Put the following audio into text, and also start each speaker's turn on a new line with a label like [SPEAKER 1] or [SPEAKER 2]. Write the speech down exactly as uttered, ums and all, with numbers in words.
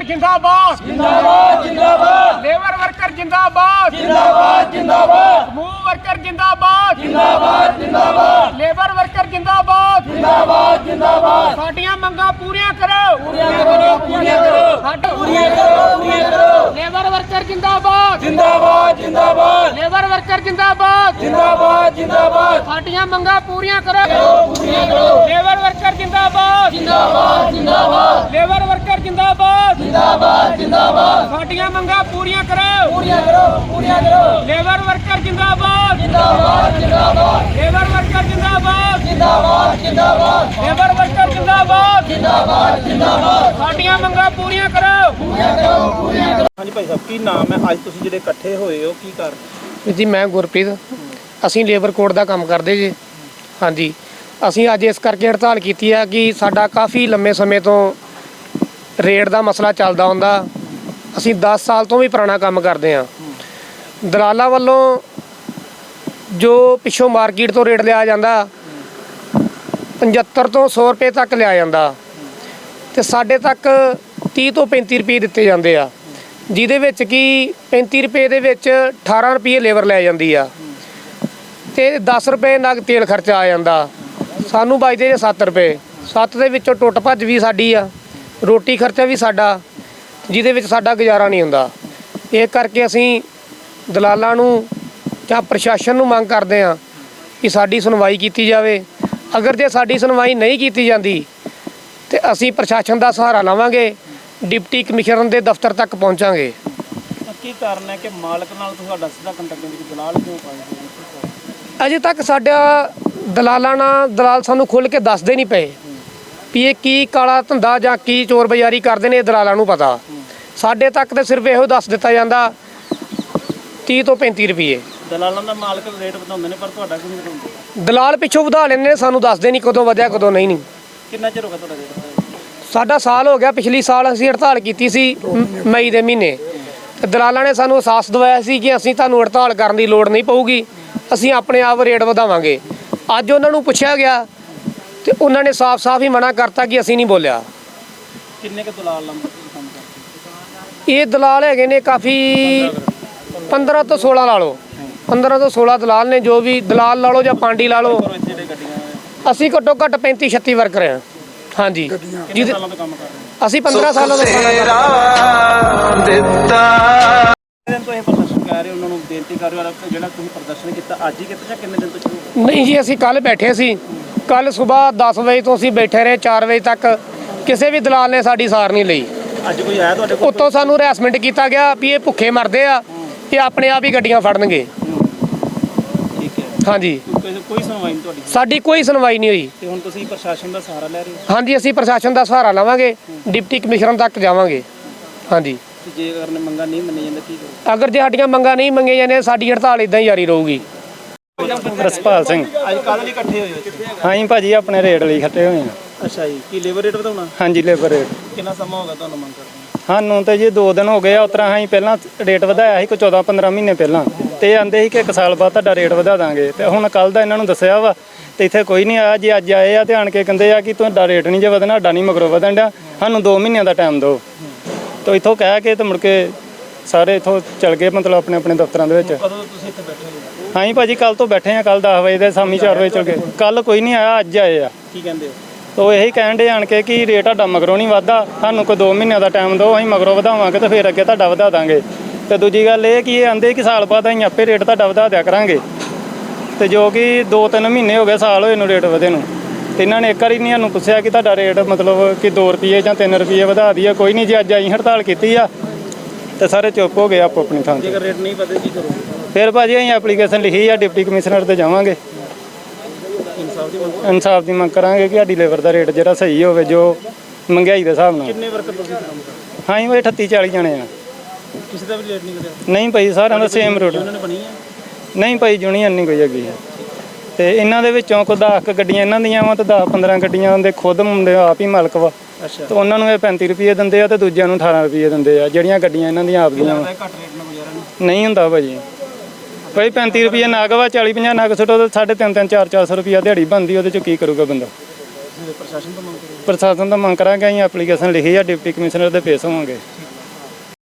[SPEAKER 1] Worker जिंदाबाद
[SPEAKER 2] जिंदाबाद जिंदाबाद
[SPEAKER 1] लेबर वर्कर जिंदाबाद
[SPEAKER 2] जिंदाबाद जिंदाबाद
[SPEAKER 1] समूह वर्कर जिंदाबाद
[SPEAKER 2] जिंदाबाद जिंदाबाद
[SPEAKER 1] लेबर वर्कर जिंदाबाद
[SPEAKER 2] जिंदाबाद जिंदाबाद
[SPEAKER 1] साडियां मंगां पूरियां करो
[SPEAKER 2] पूरियां करो पूरियां करो
[SPEAKER 1] साडे
[SPEAKER 2] पूरियां करो पूरियां करो
[SPEAKER 1] लेबर वर्कर जिंदाबाद
[SPEAKER 2] जिंदाबाद जिंदाबाद
[SPEAKER 1] लेबर वर्कर जिंदाबाद
[SPEAKER 2] जिंदाबाद जिंदाबाद
[SPEAKER 1] साडियां मंगां पूरियां करो
[SPEAKER 2] पूरियां करो
[SPEAKER 1] लेबर वर्कर जिंदाबाद
[SPEAKER 2] जिंदाबाद जिंदाबाद
[SPEAKER 1] लेबर वर्कर जिंदाबाद
[SPEAKER 2] जिंदाबाद जिंदाबाद
[SPEAKER 1] साडियां मंगां पूरियां करो
[SPEAKER 2] पूरियां करो पूरियां करो
[SPEAKER 1] लेबर वर्कर जिंदाबाद
[SPEAKER 2] जिंदाबाद जिंदाबाद
[SPEAKER 1] लेबर वर्कर जिंदाबाद
[SPEAKER 2] जिंदाबाद जिंदाबाद
[SPEAKER 1] लेबर वर्कर जिंदाबाद
[SPEAKER 2] जिंदाबाद जिंदाबाद
[SPEAKER 1] साडियां मंगां पूरियां करो
[SPEAKER 2] पूरियां करो पूरियां करो।
[SPEAKER 3] ਹਾਂਜੀ ਭਾਈ ਸਾਹਿਬ ਕੀ ਨਾਮ ਹੈ ਅੱਜ ਤੁਸੀਂ ਜਿਹੜੇ ਇਕੱਠੇ ਹੋਏ ਹੋ ਕੀ ਕਰ
[SPEAKER 1] ਜੀ ਮੈਂ ਗੁਰਪ੍ਰੀਤ ਅਸੀਂ ਲੇਬਰ ਕੋਡ ਦਾ ਕੰਮ ਕਰਦੇ ਜੀ ਹਾਂਜੀ ਅਸੀਂ ਅੱਜ ਇਸ ਕਰਕੇ ਹੜਤਾਲ ਕੀਤੀ ਹੈ ਕਿ ਸਾਡਾ ਕਾਫੀ ਲੰਮੇ ਸਮੇਂ ਤੋਂ ਰੇਟ ਦਾ ਮਸਲਾ ਚੱਲਦਾ ਹੁੰਦਾ ਅਸੀਂ ਦਸ ਸਾਲ ਤੋਂ ਵੀ ਪੁਰਾਣਾ ਕੰਮ ਕਰਦੇ ਹਾਂ ਦਲਾਲਾਂ ਵੱਲੋਂ ਜੋ ਪਿੱਛੋਂ ਮਾਰਕੀਟ ਤੋਂ ਰੇਟ ਲਿਆ ਜਾਂਦਾ ਪਝੱਤਰ ਤੋਂ ਸੌ ਰੁਪਏ ਤੱਕ ਲਿਆ ਜਾਂਦਾ ਤੇ ਸਾਡੇ ਤੱਕ ਤੀਹ ਤੋਂ ਪੈਂਤੀ ਰੁਪਏ ਦਿੱਤੇ ਜਾਂਦੇ ਆ ਜਿਹਦੇ ਵਿੱਚ ਕਿ ਪੈਂਤੀ ਰੁਪਏ ਦੇ ਵਿੱਚ ਅਠਾਰਾਂ ਰੁਪਏ ਲੇਬਰ ਲੈ ਜਾਂਦੀ ਆ ਤੇ ਦਸ ਰੁਪਏ ਨਗ ਤੇਲ ਖਰਚਾ ਆ ਜਾਂਦਾ ਸਾਨੂੰ ਬਚਦੇ ਜੇ ਸੱਤ ਰੁਪਏ ਸੱਤ ਦੇ ਵਿੱਚੋਂ ਟੁੱਟ ਭੱਜ ਵੀ ਸਾਡੀ ਆ ਰੋਟੀ ਖਰਚਾ ਵੀ ਸਾਡਾ ਜਿਹਦੇ ਵਿੱਚ ਸਾਡਾ ਗੁਜ਼ਾਰਾ ਨਹੀਂ ਹੁੰਦਾ ਇਹ ਕਰਕੇ ਅਸੀਂ ਦਲਾਲਾਂ ਨੂੰ ਜਾਂ ਪ੍ਰਸ਼ਾਸਨ ਨੂੰ ਮੰਗ ਕਰਦੇ ਹਾਂ ਕਿ ਸਾਡੀ ਸੁਣਵਾਈ ਕੀਤੀ ਜਾਵੇ ਅਗਰ ਜੇ ਸਾਡੀ ਸੁਣਵਾਈ ਨਹੀਂ ਕੀਤੀ ਜਾਂਦੀ ਤੇ ਅਸੀਂ ਪ੍ਰਸ਼ਾਸਨ ਦਾ ਸਹਾਰਾ ਲਵਾਂਗੇ ਡਿਪਟੀ ਕਮਿਸ਼ਨਰ ਦੇ ਦਫ਼ਤਰ ਤੱਕ ਪਹੁੰਚਾਂਗੇ
[SPEAKER 3] ਕੀ ਕਾਰਨ ਹੈ ਕਿ ਮਾਲਕ ਨਾਲ ਤੁਹਾਡਾ ਸਿੱਧਾ ਕੰਟੈਕਟ ਵਿੱਚ ਦਲਾਲ ਕਿਉਂ ਪਾਏ
[SPEAKER 1] ਅਜੇ ਤੱਕ ਸਾਡਾ ਦਲਾਲਾਂ ਨਾਲ ਦਲਾਲ ਸਾਨੂੰ ਖੁੱਲ੍ਹ ਕੇ ਦੱਸਦੇ ਨਹੀਂ ਪਏ ਵੀ ਇਹ ਕੀ ਕਾਲਾ ਧੰਦਾ ਜਾਂ ਕੀ ਚੋਰ ਬਜ਼ਾਰੀ ਕਰਦੇ ਨੇ ਇਹ ਦਲਾਲਾਂ ਨੂੰ ਪਤਾ ਸਾਡੇ ਤੱਕ ਤਾਂ ਸਿਰਫ ਇਹੋ ਦੱਸ ਦਿੱਤਾ ਜਾਂਦਾ ਤੀਹ ਤੋਂ ਪੈਂਤੀ ਰੁਪਏ
[SPEAKER 3] ਦਲਾਲਾਂ ਦਾ ਮਾਲਕ ਰੇਟ ਵਧਾਉਂਦੇ ਨੇ ਪਰ ਤੁਹਾਡਾ ਕਿਉਂ ਨਹੀਂ ਵਧਾਉਂਦੇ
[SPEAKER 1] ਦਲਾਲ ਪਿੱਛੋਂ ਵਧਾ ਲੈਂਦੇ ਨੇ ਸਾਨੂੰ ਦੱਸਦੇ ਨਹੀਂ ਕਦੋਂ ਵਧਿਆ ਕਦੋਂ ਨਹੀਂ ਨਹੀਂ
[SPEAKER 3] ਕਿੰਨਾ ਚਿਰ ਹੋ ਗਿਆ ਤੁਹਾਡਾ ਰੇਟ
[SPEAKER 1] ਸਾਡਾ ਸਾਲ ਹੋ ਗਿਆ ਪਿਛਲੀ ਸਾਲ ਅਸੀਂ ਹੜਤਾਲ ਕੀਤੀ ਸੀ ਮ- ਮਈ ਦੇ ਮਹੀਨੇ ਤੇ ਦਲਾਲਾਂ ਨੇ ਸਾਨੂੰ ਅਹਿਸਾਸ ਦਿਵਾਇਆ ਸੀ ਕਿ ਅਸੀਂ ਤੁਹਾਨੂੰ ਹੜਤਾਲ ਕਰਨ ਦੀ ਲੋੜ ਨਹੀਂ ਪਊਗੀ ਅਸੀਂ ਆਪਣੇ ਆਪ ਰੇਟ ਵਧਾਵਾਂਗੇ ਅੱਜ ਉਹਨਾਂ ਨੂੰ ਪੁੱਛਿਆ ਗਿਆ ਤੇ ਉਹਨਾਂ ਨੇ ਸਾਫ਼-ਸਾਫ਼ ਹੀ ਮਨਾ ਕਰਤਾ ਕਿ ਅਸੀਂ ਨਹੀਂ ਬੋਲਿਆ
[SPEAKER 3] ਕਿੰਨੇ ਕੁ ਦਲਾਲ ਲੰਬਰ ਕੰਮ ਕਰਦੇ
[SPEAKER 1] ਇਹ ਦਲਾਲ ਹੈਗੇ ਨੇ ਕਾਫੀ ਪੰਦਰਾਂ ਤੋਂ ਸੋਲਾਂ ਲਾ ਲਓ ਪੰਦਰਾਂ ਤੋਂ ਸੋਲਾਂ ਦਲਾਲ ਨੇ ਜੋ ਵੀ ਦਲਾਲ ਲਾ ਲਓ ਜਾਂ ਪਾਂਡੀ ਲਾ ਲਓ
[SPEAKER 3] ਪਰ ਇੱਥੇ ਜਿਹੜੇ ਗੱਡੀਆਂ
[SPEAKER 1] ਅਸੀਂ ਘੱਟੋ ਘੱਟ ਪੈਂਤੀ ਛੱਤੀ ਵਰਕਰ ਹਾਂ ਹਾਂਜੀ
[SPEAKER 3] ਕਿੰਨੇ ਸਾਲਾਂ ਤੋਂ ਕੰਮ ਕਰ ਰਹੇ ਹੋ
[SPEAKER 1] ਅਸੀਂ ਪੰਦਰਾਂ ਸਾਲਾਂ ਤੋਂ ਕੰਮ ਕਰ ਰਹੇ ਹਾਂ
[SPEAKER 3] ਦਿਨ ਤੋਂ ਇਹ ਪ੍ਰਦਰਸ਼ਨ ਕਰ ਰਹੇ ਉਹਨਾਂ ਨੂੰ ਬੇਨਤੀ ਕਰ ਰਹੇ ਹੋ ਜਿਹੜਾ ਤੁਸੀਂ ਪ੍ਰਦਰਸ਼ਨ ਕੀਤਾ ਅੱਜ ਹੀ ਕੀਤਾ ਜਾਂ ਕਿੰਨੇ ਦਿਨ ਤੋਂ ਸ਼ੁਰੂ ਹੋਇਆ?
[SPEAKER 1] ਨਹੀਂ ਜੀ ਅਸੀਂ ਕੱਲ ਬੈਠੇ ਸੀ ਕੱਲ ਸਵੇਰ ਦਸ ਵਜੇ ਤੋਂ ਅਸੀਂ ਬੈਠੇ ਰਹੇ ਚਾਰ ਵਜੇ ਤੱਕ ਕਿਸੇ ਵੀ ਦਲਾਲ ਨੇ ਸਾਡੀ ਸਾਰ ਨਹੀਂ ਲਈ
[SPEAKER 3] ਅੱਜ ਕੋਈ ਆਇਆ ਤੁਹਾਡੇ ਕੋਲ
[SPEAKER 1] ਉੱਤੋਂ ਸਾਨੂੰ ਹਰੈਸਮੈਂਟ ਕੀਤਾ ਗਿਆ ਵੀ ਇਹ ਭੁੱਖੇ ਮਰਦੇ ਆ ਇਹ ਆਪਣੇ ਆਪ ਹੀ ਗੱਡੀਆਂ ਫੜਨਗੇ
[SPEAKER 3] ਠੀਕ ਹੈ
[SPEAKER 1] ਹਾਂਜੀ
[SPEAKER 3] ਕੋਈ ਕੋਈ ਸੁਣਵਾਈ ਨਹੀਂ ਤੁਹਾਡੀ
[SPEAKER 1] ਸਾਡੀ ਕੋਈ ਸੁਣਵਾਈ ਨਹੀਂ ਹੋਈ
[SPEAKER 3] ਤੇ ਹੁਣ ਤੁਸੀਂ ਪ੍ਰਸ਼ਾਸਨ ਦਾ ਸਹਾਰਾ ਲੈ ਰਹੇ ਹੋ
[SPEAKER 1] ਹਾਂਜੀ ਅਸੀਂ ਪ੍ਰਸ਼ਾਸਨ ਦਾ ਸਹਾਰਾ ਲਵਾਂਗੇ ਡਿਪਟੀ ਕਮਿਸ਼ਨਰ ਤੱਕ ਜਾਵਾਂਗੇ ਹਾਂਜੀ
[SPEAKER 3] ਤੇ ਜੇ ਅਗਰ ਮੰਗਾਂ ਨਹੀਂ ਮੰਨੀਆਂ ਜਾਂਦੀਆਂ ਕੀ ਕਰੋ
[SPEAKER 1] ਅਗਰ ਜੇ ਸਾਡੀਆਂ ਮੰਗਾਂ ਨਹੀਂ ਮੰਗੀਆਂ ਜਾਂਦੀਆਂ ਸਾਡੀ ਹੜਤਾਲ ਇਦਾਂ ਹੀ ਜਾਰੀ ਰਹੂਗੀ
[SPEAKER 4] ਰਸਪਾਲ ਸਿੰਘ
[SPEAKER 3] ਅੱਜ ਕੱਲ੍ਹ ਲਈ ਇਕੱਠੇ ਹੋਏ ਹੋ ਇੱਥੇ?
[SPEAKER 4] ਹਾਂਜੀ ਭਾਜੀ ਆਪਣੇ ਰੇਟ ਲਈ ਖੱਟੇ ਹੋਏ ਆ
[SPEAKER 3] ਅੱਛਾ ਜੀ ਕੀ ਲੇਬਰ ਰੇਟ ਵਧਾਉਣਾ
[SPEAKER 4] ਹਾਂਜੀ ਲੇਬਰ ਰੇਟ
[SPEAKER 3] ਕਿੰਨਾ ਸਮਾਂ ਹੋ ਗਿਆ ਤੁਹਾਨੂੰ ਮੰਗ ਕਰਦੇ
[SPEAKER 4] ਸਾਨੂੰ ਤੇ ਜੀ ਦੋ ਦਿਨ ਹੋ ਗਏ ਆ ਉਤਰਾ ਅਸੀਂ ਪਹਿਲਾਂ ਰੇਟ ਵਧਾਇਆ ਸੀ ਕੋਈ ਚੌਦਾਂ ਪੰਦਰਾਂ ਮਹੀਨੇ ਪਹਿਲਾਂ ਤੇ ਇਹ ਆਂਦੇ ਸੀ ਕਿ ਇੱਕ ਸਾਲ ਬਾਅਦ ਤੁਹਾਡਾ ਰੇਟ ਵਧਾ ਦਾਂਗੇ ਤੇ ਹੁਣ ਕੱਲ ਦਾ ਇਹਨਾਂ ਨੂੰ ਦੱਸਿਆ ਵਾ ਤੇ ਇੱਥੇ ਕੋਈ ਨਹੀਂ ਆਇਆ ਜੀ ਅੱਜ ਆਏ ਆ ਤੇ ਆਣ ਕੇ ਕਹਿੰਦੇ ਆ ਕਿ ਤੁਹਾਡਾ ਰੇਟ ਨਹੀਂ ਜੇ ਵਧਣਾ ਸਾਡਾ ਨਹੀਂ ਮਗਰੋਂ ਵਧਣ ਡਿਆ ਸਾਨੂੰ ਦੋ ਮਹੀਨਿਆਂ ਦਾ ਟਾਈਮ ਦਿਓ ਤੇ ਇੱਥੋਂ ਕਹਿ ਕੇ ਤੇ ਮੁੜ ਕੇ ਸਾਰੇ ਇੱਥੋਂ ਚਲ ਗਏ ਮਤਲਬ ਆਪਣੇ ਆਪਣੇ ਦਫ਼ਤਰਾਂ ਦੇ ਵਿੱਚ
[SPEAKER 3] ਕਦੋਂ ਤੁਸੀਂ ਇੱਥੇ ਬੈਠੇ ਹੋ
[SPEAKER 4] ਹਾਂਜੀ ਭਾਜੀ ਕੱਲ ਤੋਂ ਬੈਠੇ ਆ ਕੱਲ ਦਸ ਵਜੇ ਦੇ ਸ਼ਾਮੀ ਚਾਰ ਵਜੇ ਚਲ ਗਏ ਕੱਲ ਕੋਈ ਨਹੀਂ ਆਇਆ ਅੱਜ ਆਏ ਆ
[SPEAKER 3] ਕੀ ਕਹਿੰਦੇ ਹੋ
[SPEAKER 4] ਤੋ ਇਹੀ ਕਹਿਣ ਦੇ ਆਣ ਕੇ ਕਿ ਰੇਟ ਤੁਹਾਡਾ ਮਗਰੋਂ ਨਹੀਂ ਵਧਦਾ ਸਾਨੂੰ ਕੋਈ ਦੋ ਮਹੀਨਿਆਂ ਦਾ ਟਾਈਮ ਦਿਓ ਅਸੀਂ ਮਗਰੋਂ ਵਧਾਵਾਂਗੇ ਤੇ ਫਿਰ ਅੱਗੇ ਤੁਹਾਡਾ ਵਧਾ ਦਾਂਗੇ ਤੇ ਦੂਜੀ ਗੱਲ ਇਹ ਕਿ ਇਹ ਆਂਦੇ ਕਿ ਸਾਲ ਬਾਅਦ ਅਸੀਂ ਆਪੇ ਰੇਟ ਤੁਹਾਡਾ ਵਧਾ ਦਿਆ ਕਰਾਂਗੇ ਤੇ ਜੋ ਕਿ ਦੋ ਤਿੰਨ ਮਹੀਨੇ ਹੋ ਗਏ ਸਾਲ ਹੋਏ ਨੂੰ ਰੇਟ ਵਧੇ ਨੂੰ ਤੇ ਇਹਨਾਂ ਨੇ ਇੱਕ ਵਾਰੀ ਨਹੀਂ ਸਾਨੂੰ ਪੁੱਛਿਆ ਕਿ ਤੁਹਾਡਾ ਰੇਟ ਮਤਲਬ ਕਿ ਦੋ ਰੁਪਏ ਜਾਂ ਤਿੰਨ ਰੁਪਏ ਵਧਾ ਦਈਏ ਕੋਈ ਨਹੀਂ ਜੀ ਅੱਜ ਅਸੀਂ ਹੜਤਾਲ ਕੀਤੀ ਆ ਤੇ ਸਾਰੇ ਚੁੱਪ ਹੋ ਗਏ ਆਪੋ ਆਪਣੀ ਥਾਂ ਤੇ
[SPEAKER 3] ਜੇਕਰ ਰੇਟ ਨਹੀਂ ਵਧੇ ਕੀ ਕਰੋਗੇ
[SPEAKER 4] ਫਿਰ ਭਾਜੀ ਅਸੀਂ ਐਪਲੀਕੇਸ਼ਨ ਲਿਖੀ ਆ ਡਿਪਟੀ ਕਮਿਸ਼ਨਰ ਤੇ ਜਾਵਾਂਗੇ
[SPEAKER 3] ਇਨਸਾਫ ਦੀ ਮੰਗ
[SPEAKER 4] ਇਨਸਾਫ ਦੀ ਮੰਗ ਕਰਾਂਗੇ ਕਿ ਸਾਡੀ ਲੇਬਰ ਦਾ ਰੇਟ ਜਿਹੜਾ ਸਹੀ ਹੋਵੇ ਜੋ ਮਹਿੰਗਾਈ ਦੇ ਹਿਸਾਬ ਨਾਲ
[SPEAKER 3] ਕਿੰਨੇ ਵਰਕਰ ਤੁਸੀਂ ਕੰਮ ਕਰਦੇ
[SPEAKER 4] ਹਾਂਜੀ ਉਹ ਅਠੱਤੀ ਚਾਲੀ ਜਣੇ ਆ
[SPEAKER 3] ਕਿਸੇ ਦਾ ਵੀ ਰੇਟ ਨਹੀਂ ਵਧਿਆ
[SPEAKER 4] ਨਹੀਂ ਭਾਈ ਸਾਰਿਆਂ ਦਾ ਸੇਮ ਰੇਟ
[SPEAKER 3] ਉਹਨਾਂ ਨੇ ਬਣੀ ਹੈ
[SPEAKER 4] ਨਹੀਂ ਭਾਈ ਯੂਨੀਅਨ ਨਹੀਂ ਕੋਈ ਹੈਗੀ ਤੇ ਇਹਨਾਂ ਦੇ ਵਿੱਚੋਂ ਕੋਈ ਦਸ ਕੁ ਗੱਡੀਆਂ ਇਹਨਾਂ ਦੀਆਂ ਵਾ ਤੇ ਦਸ ਪੰਦਰਾਂ ਗੱਡੀਆਂ ਦੇ ਖੁਦ ਮੁੰਡੇ ਆਪ ਹੀ ਮਾਲਕ ਵਾ
[SPEAKER 3] ਅੱਛਾ
[SPEAKER 4] ਤੇ ਉਹਨਾਂ ਨੂੰ ਇਹ ਪੈਂਤੀ ਰੁਪਏ ਦਿੰਦੇ ਆ ਤੇ ਦੂਜਿਆਂ ਨੂੰ ਅਠਾਰਾਂ ਰੁਪਏ ਦਿੰਦੇ ਆ ਜਿਹੜੀਆਂ ਗੱਡੀਆਂ ਇਹਨਾਂ ਦੀਆਂ ਆਪ ਦੀਆਂ ਵਾ
[SPEAKER 3] ਘੱਟ ਰੇਟ ਨਾਲ ਗੁਜ਼ਾਰਾ ਨਹੀਂ
[SPEAKER 4] ਨਹੀਂ ਹੁੰਦਾ ਭਾਜੀ ਭਾਈ ਪੈਂਤੀ ਰੁਪਏ ਨਗ ਵਾ ਚਾਲੀ ਪੰਜਾਹ ਨਗ ਸੁੱਟੋ ਤੇ ਸਾਢੇ ਤਿੰਨ ਤਿੰਨ ਚਾਰ ਚਾਰ ਸੌ ਰੁਪਇਆ ਦਿਹਾੜੀ ਬਣਦੀ ਉਹਦੇ ਚੋਂ ਕੀ ਕਰੂਗਾ ਬੰਦਾ
[SPEAKER 3] ਤੁਸੀਂ ਪ੍ਰਸ਼ਾਸਨ ਤੋਂ ਮੰਗ ਕਰੋ।
[SPEAKER 4] ਪ੍ਰਸ਼ਾਸਨ ਤੋਂ ਮੰਗ ਕਰਾਂਗੇ, ਅਸੀਂ ਐਪਲੀਕੇਸ਼ਨ ਲਿਖੀ ਆ, ਡਿਪਟੀ ਕਮਿਸ਼ਨਰ ਦੇ ਪੇਸ਼ ਹੋਵਾਂਗੇ।